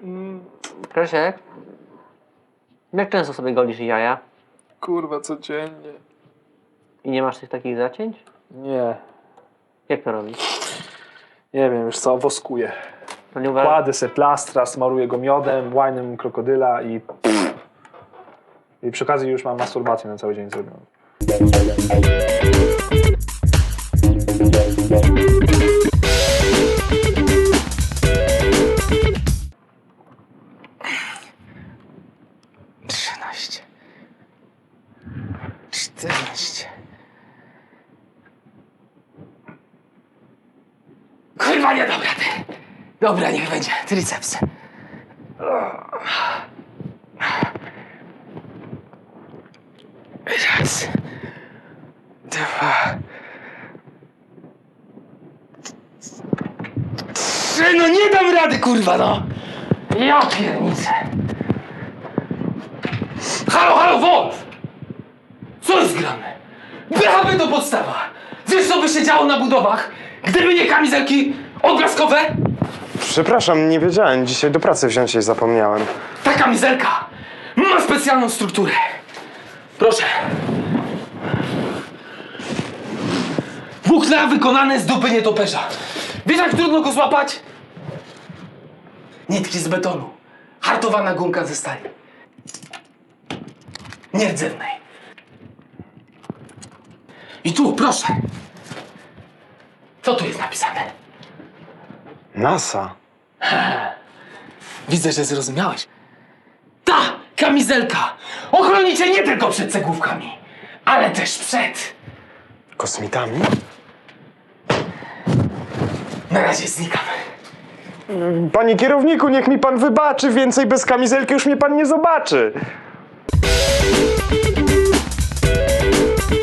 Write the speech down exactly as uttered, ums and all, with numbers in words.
Mm, Kresiek, jak często sobie golisz jaja? kurwa, codziennie. I nie masz tych takich zacięć? Nie, Jak to robisz? nie wiem, już co, woskuję. To nie uważasz? Kładę se plastra, smaruję go miodem, łajnem krokodyla i... I przy okazji już mam masturbację na cały dzień zrobioną. Trzynaście. Czternaście. Kurwa, nie dam rady. Dobra, niech będzie. Triceps. Raz. Dwa. Trzy. No nie dam rady, kurwa, no. Ja piernicę. Halo, halo, Wolf! Co jest grane? B H P to podstawa! Wiesz, co by się działo na budowach, gdyby nie kamizelki odblaskowe? Przepraszam, nie wiedziałem. Dzisiaj do pracy wziąć się zapomniałem. Ta kamizelka ma specjalną strukturę. Proszę. Włókna wykonane z dupy nietoperza. Wiesz, jak trudno go złapać? Nitki z betonu. Hartowana gumka ze stali. Nierdzewnej. I tu, proszę. Co tu jest napisane? NASA. Widzę, że zrozumiałeś. Ta kamizelka ochroni cię nie tylko przed cegłówkami, ale też przed... Kosmitami? Na razie znikam. Panie kierowniku, niech mi pan wybaczy. Więcej bez kamizelki już mnie pan nie zobaczy.